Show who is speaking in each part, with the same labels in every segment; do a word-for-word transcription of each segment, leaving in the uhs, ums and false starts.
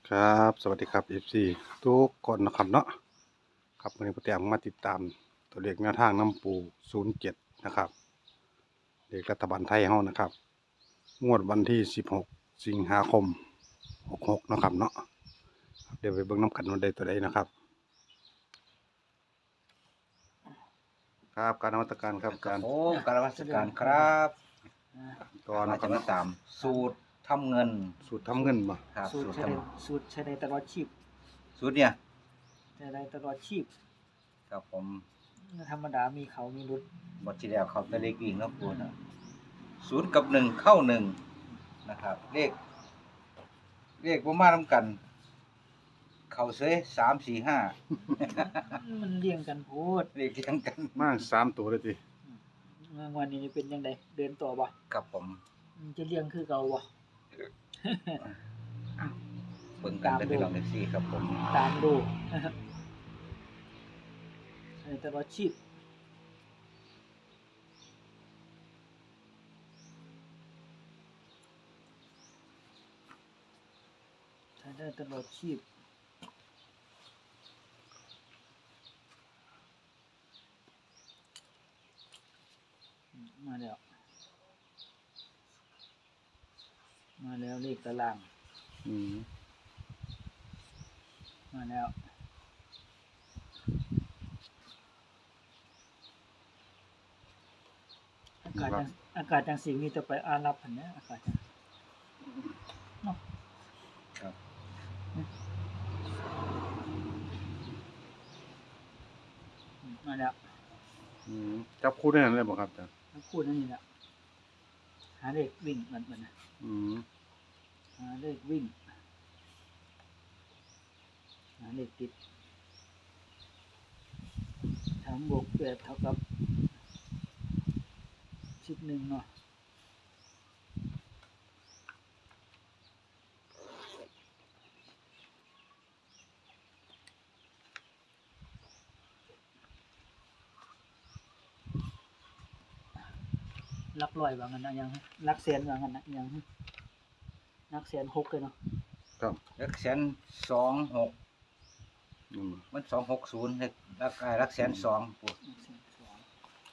Speaker 1: ครับสวัสดีครับ เอฟ ซี ทุกคนนะครับเนาะครับวันนี้ผมแต้มมาติดตามตัวเลขแนวทางน้ำปูศูนย์เจ็ดนะครับเลขรัฐบาลไทยเฮานะครับงวดวันที่สิบหกสิงหาคมหกหกนะครับเนาะครับเดี๋ยวไปเบิ่งน้ำกันวันใดตัวใดนะครับครับการนมัตการครับอา
Speaker 2: ครั
Speaker 1: จา
Speaker 2: บ
Speaker 1: รย์
Speaker 2: ผมกรานมัสการครับ
Speaker 1: ตอน
Speaker 2: มา
Speaker 1: นะครั
Speaker 2: จะ
Speaker 1: บ
Speaker 2: มา
Speaker 1: เนาะ
Speaker 2: ตามสูตรทำเงิน
Speaker 1: สูตรทำเงินมา
Speaker 2: ครับ
Speaker 3: สูต
Speaker 2: สู
Speaker 3: ร
Speaker 2: ตร
Speaker 3: ใช้
Speaker 2: ท
Speaker 3: ได้สูตรใช้ได้ตลอดชีพ
Speaker 2: ำสูตรเนี่ย
Speaker 3: ใช้ได้ตลอดชีพ
Speaker 2: ครับผม
Speaker 3: ธรรมดามีเขามีรุด
Speaker 2: บทที่แล้วเขาจะเลขวิ่งเนาะปูนะศูนย์กับหนึ่งเข้าหนึ่งนะครับ เลข เลขประมาณน้ำกัน เขาเซยสามสี่ห้า
Speaker 3: มันเลี้ยงกันโพด
Speaker 2: เลขเรียงกัน
Speaker 1: มากสามตัวเลยที
Speaker 3: วันนี้เป็นยังไงเดินต่อบ่
Speaker 2: ครับผม
Speaker 3: มันจะเลี้ยงคือเก่าบ่
Speaker 2: เบิ่งกันได้พี่น้องเอฟซีครับผม
Speaker 3: ตามดูใช้ได้ตลอดชีพใช้ได้ตลอดชีพมาแล้วมาแล้วเลขตาราง
Speaker 1: อืม
Speaker 3: มาแล้วอากาศจังอากาศจังสีมีแต่ไปอารับพันเนี้ยอากาศจังเนาะ
Speaker 2: ครับ
Speaker 3: อืมมาแล้ว
Speaker 1: อืมจับคู่ได้นั่นเลยบ่ครับอาจารย์
Speaker 3: ทั้งคู่นั่นนี่แหละหาเลขวิ่งมันมันนะ
Speaker 1: อืม
Speaker 3: หาเลขวิ่งหาเลขติดสามบวกแปดเท่ากับสิบหนึ่งเนาะลักลอยว่างั้นนะยังลักแสนว่างั้นนะยังลักแสนหกเลยเนาะ
Speaker 1: ครับ
Speaker 2: เลขแสนสองหก
Speaker 1: อืม
Speaker 2: มันสองหกศูนย์เลขรักรักแสนสองปู
Speaker 3: ลักแสนสอง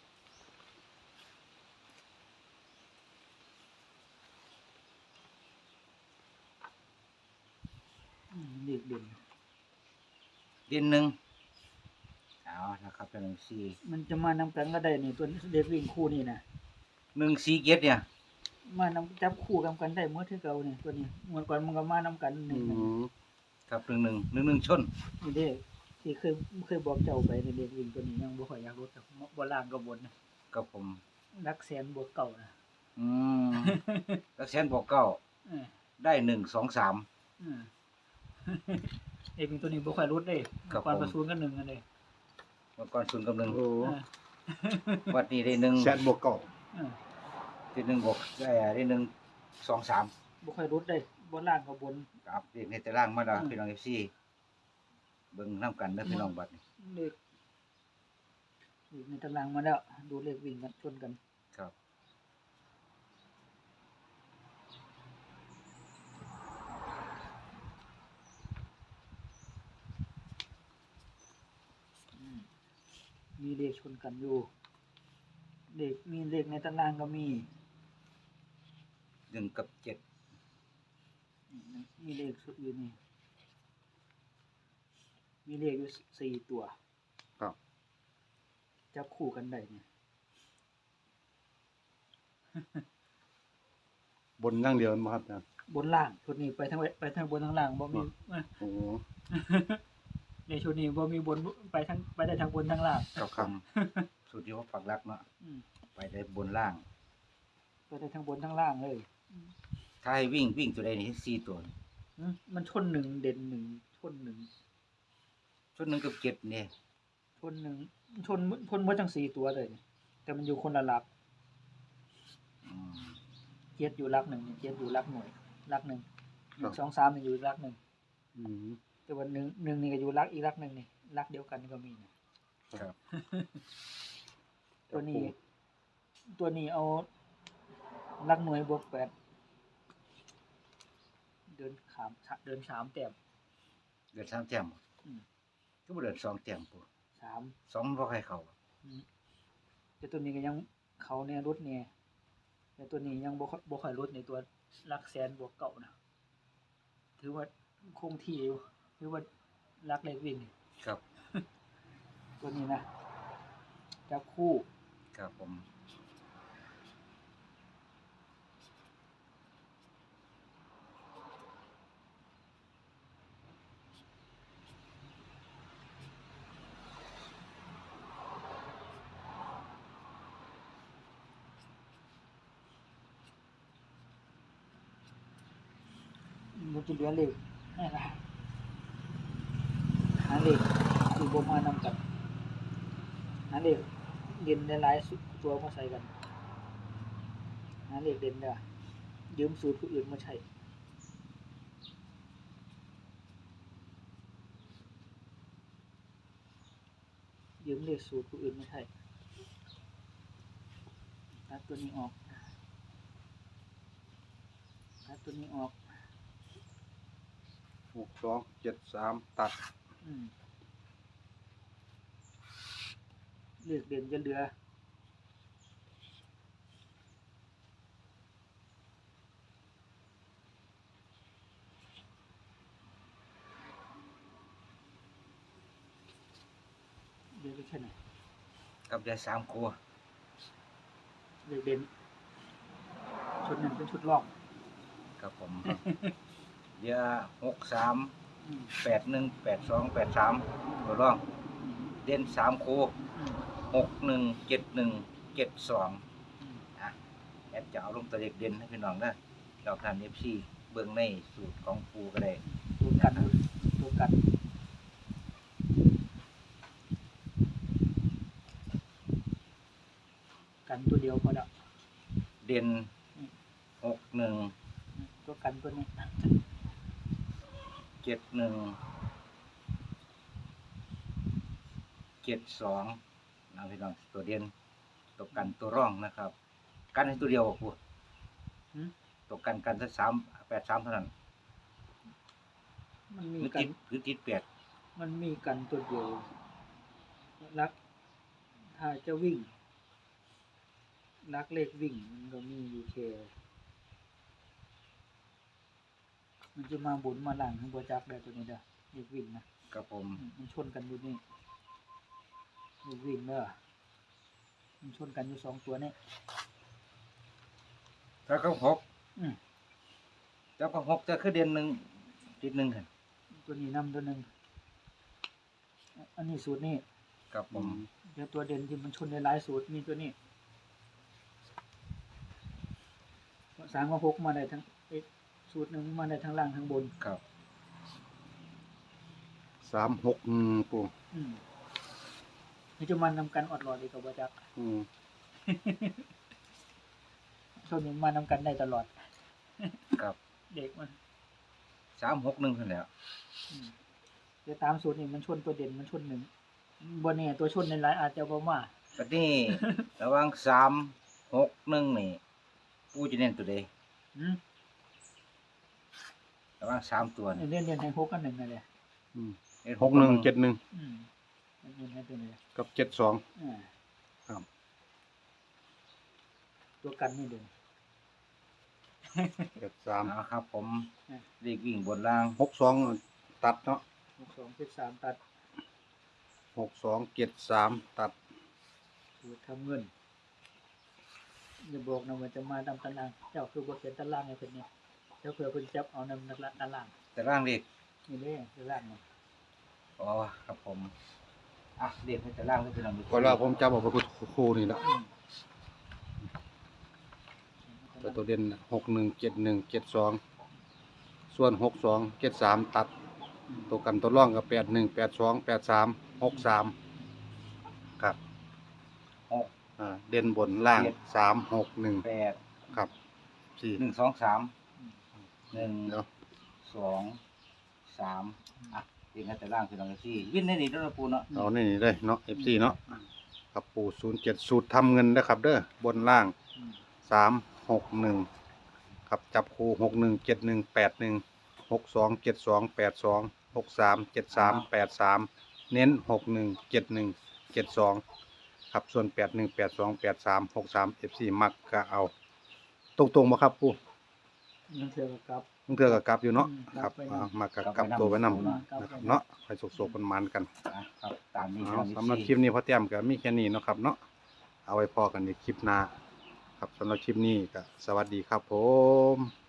Speaker 3: อืมเลขเด่น
Speaker 2: เดือนหนึ่งเอานะครับเป็นหนึ่งสี่
Speaker 3: มันจะมานำกันก็ได้นี่ตัวเลขวิ่งคู่นี่นะ
Speaker 2: หนึ่งสี่เกียรเนี่ย
Speaker 3: มานำจับคู่กันกันได้เมื่อที่เก่านี่ตัวนี้เมื่อก่อนมันก็มานำกันห
Speaker 1: อื
Speaker 3: นึ่งหนึ่ง
Speaker 1: ม
Speaker 2: ครับหนึ่งหนึ่งหนึ่งหนึ่งชน
Speaker 3: นี่เด้ที่เคยเคยบอกเจ้าไปในเด็กวิ่งตัวนี้ยังบ่ค่อยอยากรู้แต่บ่ล่างก็บนนะ
Speaker 2: กับผม
Speaker 3: รักแสนบวกเก่านะ
Speaker 2: อืม แล้วแสนบอกเก้า
Speaker 3: เออ
Speaker 2: ได้หนึ่งสองสาม
Speaker 3: เออ เด็กวิ่งตัวนี้บ่ค่อยรู้เด้
Speaker 2: ครับ
Speaker 3: ก่อน
Speaker 2: ผม
Speaker 3: ประสูนกันหนึ่งกันเลย
Speaker 2: เมื่อก่อนศูนย์กับหนึ่ง
Speaker 1: โอ้
Speaker 3: เออ
Speaker 2: วัดนี้ได้หนึ่ง
Speaker 1: แสนบวกเก่า
Speaker 3: เออ
Speaker 2: ได้หนึ่งบอกได้ได้หนึ่งสองสาม
Speaker 3: บ่ค่อยรู้เด้บ่ล่างก็บน
Speaker 2: ครับเรียกในแต่ล่างมาดา
Speaker 3: อืม
Speaker 2: พี่น้องเอฟซีเบิ่งน้ำกันนะพี่น้องบัดนี้
Speaker 3: เลขเลขในตารางมาแล้ว ดูเลขวิ่งกันชนกัน
Speaker 2: ครับ
Speaker 3: อืมมีเลขชนกันอยู่เลขมีเลขในตารางก็มี
Speaker 2: หนึ่งกับเจ็ด
Speaker 3: มีเลขอยู่นี่ มีเลขอยู่สี่ตัว
Speaker 1: ครับ
Speaker 3: จับคู่กันได้เนี่ย
Speaker 1: บนอย่างเดียวมั้งครับอาจารย์
Speaker 3: บนล่างชุดนี้ไปทั้งไปทั้งบนทั้งล่างบ่มี
Speaker 1: โอ้
Speaker 3: ในชุดนี้บ่มีบนไปทั้งไปได้ทั้งบนทั้งล่าง
Speaker 2: กับคำสุดที่ว่าปักหลักเนาะ
Speaker 3: อืม
Speaker 2: ไปได้บนล่าง
Speaker 3: ไปได้ทั้งบนทั้งล่างเลย
Speaker 2: ถ้าให้วิ่งวิ่งตัวใดนี่สี่ตัว
Speaker 3: อืมมันชนหนึ่งเด่นหนึ่งชนหนึ่ง
Speaker 2: ชุดหนึ่งกับเจ็ดเนี่ย
Speaker 3: ชนหนึ่งชนชนหมดทั้งสี่ตัวเลยเนี่ยแต่มันอยู่คนละหลัก
Speaker 2: อืม
Speaker 3: เจ็ดอยู่หลักหนึ่งเจ็ดอยู่หลักหน่วยหลักหนึ่งหนึ่งสองสามนี่อยู่หลักหนึ่ง
Speaker 1: อืม
Speaker 3: แต่ว่าหนึ่งหนึ่งนี่ก็อยู่หลักอีกหลักหนึ่งนี่หลักเดียวกันก็มีนะครับ ตัวนี้ ตัวนี้เอาหลักหน่วยบวกแปดเดินขามเดินสามแต้ม
Speaker 2: เดือนสามแต้ม
Speaker 3: อืม
Speaker 2: ก็บ่เดือนสองแต้มปู
Speaker 3: สาม
Speaker 2: สองมันบ่ใครเข้า
Speaker 3: อืมแต่ตัวนี้ก็ยังเขาแน่รถแน่แต่ตัวนี้ยังบ่ค่อยบ่ค่อยลดในตัวหลักแสนบวกเก่านะถือว่าคงที่อยู่ถือว่าหลักเลขวิ่งนี่
Speaker 2: ครับ
Speaker 3: ตัวนี้นะจับคู่
Speaker 2: ครับผม
Speaker 3: มันจะเหลือเลขนี่นะหาเลขที่บ่มานำกันหาเลขเด่นหลายๆสุดตัวมาใส่กันหาเลขเด่นเด้อยืมสูตรผู้อื่นมาใช้ยืมเลขสูตรผู้อื่นมาใช้ตัดตัวนี้ออกตัดตัวนี้ออก
Speaker 1: หกสองเจ็ดสามตัด
Speaker 3: อืมเลขเด่นจะเหลือเดี๋ยวไปแค่ไหน
Speaker 2: กับได้สามครัว
Speaker 3: เลขเด่นชุดนั้นเป็นชุดลอก
Speaker 2: ครับผม เดี๋ยวหกสาม
Speaker 3: อืม
Speaker 2: แปดหนึ่งแปดสองแปดสามตัวร่อง
Speaker 3: อืม
Speaker 2: เด่นสามครู
Speaker 3: อืม
Speaker 2: หกหนึ่งเจ็ดหนึ่งเจ็ดสอง
Speaker 3: อืม
Speaker 2: อ่ะแอดจะเอาลงตัวเลขเด่นให้พี่น้องนะเราทำเอฟซีเบื้องในสูตรของครูก็ได้
Speaker 3: ตัวกันตัวกันกันตัวเดียวพอแล้ว
Speaker 2: เด่นหกหนึ่ง
Speaker 3: ตัวกันตัวนี้
Speaker 2: เจ็ดหนึ่งเจ็ดสองนะพี่น้องตัวเด่นตัวกันตัวร่องนะครับ กันให้ตัวเดียวครู
Speaker 3: หืม
Speaker 2: ตัวกันกันสักสามแปดสามเท่านั้น
Speaker 3: มัน
Speaker 2: ห
Speaker 3: มี
Speaker 2: รือ
Speaker 3: กั
Speaker 2: ติ
Speaker 3: น
Speaker 2: ดหรือติดแปด
Speaker 3: มันมีกันตัวเดียวรัก ถ้าจะวิ่งรักเลขวิ่ง มันก็มีอยู่แค่มันจะมาบุญมาหลังทั้งบจักได้ตัวนี้เด้อเลขวิ่งนะครับ
Speaker 2: ผม
Speaker 3: อืมมันชนกันอยู่นี่เลขวิ่งเด้อมันชนกันอยู่สองตัวนี่
Speaker 2: ถ้าเขาหก
Speaker 3: อืม
Speaker 2: เจ้าก็หกจะคือเด่นหนึ่งติดหนึ่งค่ะ
Speaker 3: ตัวนี้นำตัวหนึ่งอันนี้สูตรนี่
Speaker 2: ครับผม
Speaker 3: เดี๋ยวตัวเด่นที่มันชนในหลายสูตรมีตัวนี้สามกับหกมาได้ทั้งเอ๊ะสูตรหนึ่งมาได้ทั้งล่างทั้งบน
Speaker 2: ครับ
Speaker 1: สามหกอืมปู
Speaker 3: อืมนี่จะมันนำกันอดรอดเลยกับว่าจัก
Speaker 1: อืม
Speaker 3: ช่วงนี้มานำกันได้ตลอด
Speaker 2: ครับ
Speaker 3: เด็กมัน
Speaker 2: สามหกหนึ่งคนแหล้ว
Speaker 3: อืมเดี๋ยวตามสูตรนี่มันชนตัวเด่นมันชนหนึ่งบนเนี่ยตัวชนในหลายอาจจะบ่มา
Speaker 2: ตอนนี้ ระหว่างสามหกหนึ่งนี่ปูจะเน้นตัวใด
Speaker 3: อืม
Speaker 2: ระหว่างสามตัวนี่
Speaker 3: เล่นเล่นให้หกกันหนึ่งนั่นแหละ
Speaker 1: อืม
Speaker 2: เน้น
Speaker 1: หกหนึ่งเจ็ดหนึ่ง
Speaker 3: อืมเล่นให้ตัวนี้
Speaker 1: กับเจ็ดสอง
Speaker 3: อ่า
Speaker 1: ครับ
Speaker 3: ตัวกันนี่เด่น
Speaker 1: เจ็ดสาม
Speaker 2: เอาครับ ผม
Speaker 3: อ่ะ
Speaker 2: เลขวิ่งบนล่าง
Speaker 1: หกสองตัดเนาะ
Speaker 3: หกสองเจ็ดสามตัด
Speaker 1: หกสองเจ็ดสามตัด
Speaker 3: สูตรทำเงินอย่าบอกนะว่าจะมาตามตารางเจ้าคือบ่เขียนตารางให้เพิ่นเนี่ยเจ้าเผื่อเพิ่นจับเอานำนักละตาราง
Speaker 2: แต่ร่างเลข
Speaker 3: นี่เด้ตารางนี่
Speaker 2: อ๋อครับผมอ่ะเลขให้แต่ร่างให้พี่น้องดู
Speaker 1: ก็แล้วผมจำเอาไปครูนี่แหละ
Speaker 3: อืม
Speaker 1: แต่ตัวเด่นหกหนึ่งเจ็ดหนึ่งเจ็ดสองส่วนหกสองเจ็ดสามตัด
Speaker 3: อืม
Speaker 1: ตัวกันตัวร่องกับแปดหนึ่งแปดสองแปดสามหกสามครับ
Speaker 2: หก
Speaker 1: อ่าเด่นบนล่าง
Speaker 2: เจ็ด
Speaker 1: สามหกหนึ่ง
Speaker 2: แปด
Speaker 1: ครับสี่
Speaker 2: หนึ่งสองสามหนึ่ง
Speaker 1: เดี๋ยว
Speaker 2: สองสามอ่ะเลขให้แต่ร่างพี่น้องที่วิ่งได้ดีด้วยนะปูเนาะ
Speaker 1: เอานี่เลยเนาะเอฟซีเนาะครับปูศูนย์เจ็ดสูตรทำเงินนะครับเด้อบนล่าง
Speaker 3: อืม
Speaker 1: สามหกหนึ่งครับจับคู่หกหนึ่งเจ็ดหนึ่งแปดหนึ่งหกสองเจ็ดสองแปดสองหกสามเจ็ดสามแปดสามเน้นหกหนึ่งเจ็ดหนึ่งเจ็ดสองครับส่วนแปดหนึ่งแปดสองแปดสามหกสามเอฟซีมักก็เอาตรงๆบ่ครับปู่
Speaker 3: นั่นเทื่อก็กลับ
Speaker 1: มึงเทื่อก็กลับอยู่เนาะ
Speaker 3: อืม
Speaker 1: ครับ
Speaker 3: กลับไป
Speaker 1: อ่ามากับ
Speaker 2: กลับ
Speaker 1: กลับ
Speaker 2: ไปนำ
Speaker 1: ตัวไว้นำ
Speaker 3: อืมกลับ
Speaker 1: นะครับ
Speaker 3: ไปนำ
Speaker 1: เนาะไปสุกๆมันๆกัน
Speaker 2: อ่ะครับตามนี้
Speaker 1: เอา
Speaker 2: พี่น้อง
Speaker 1: สำหรับคลิปนี้พ่อแต้มก็มีแค่นี้เนาะครับเนาะเอาไว้พอกันในคลิปหน้าครับสำหรับคลิปนี้ก็สวัสดีครับผม